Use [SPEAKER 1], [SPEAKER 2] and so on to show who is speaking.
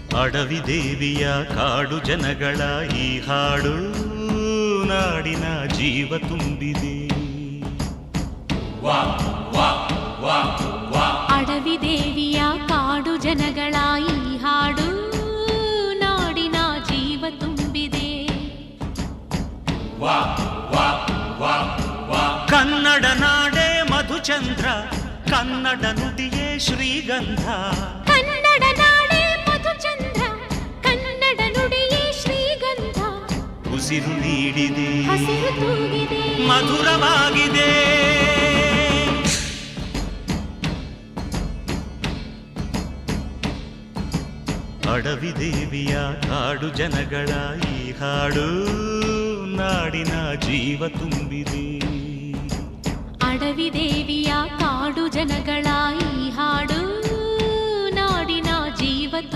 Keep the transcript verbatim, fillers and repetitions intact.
[SPEAKER 1] ಅಡವಿ ದೇವಿಯ ಕಾಡು ಜನಗಳ ಈ ಹಾಡು ನಾಡಿನ ಜೀವ ತುಂಬಿದೆ.
[SPEAKER 2] ಅಡವಿ ದೇವಿಯ ಕಾಡು ಜನಗಳ ಈ ಹಾಡು ನಾಡಿನ ಜೀವ ತುಂಬಿದೆ.
[SPEAKER 1] ಕನ್ನಡ ನಾಡೆ ಮಧುಚಂದ್ರ, ಕನ್ನಡ ನುಡಿಯೇ ಶ್ರೀಗಂಧ.
[SPEAKER 2] ಕನ್ನಡ ನಾಡೆ ಮಧುಚಂದ್ರ, ಕನ್ನಡ ನುಡಿಯೇ ಶ್ರೀಗಂಧ.
[SPEAKER 1] ಉಸಿರು ನೀಡಿದೆ,
[SPEAKER 2] ಹಸಿರು ತೂಗಿದೆ,
[SPEAKER 1] ಮಧುರವಾಗಿದೆ. ಅಡವಿ ದೇವಿಯ ಕಾಡು ಜನಗಳ ಈ ಹಾಡು ನಾಡಿನ ಜೀವ ತುಂಬಿದೆ.
[SPEAKER 2] ಅಡವಿ ದೇವಿಯ ಕಾಡು ಜನಗಳ ಈ ಹಾಡು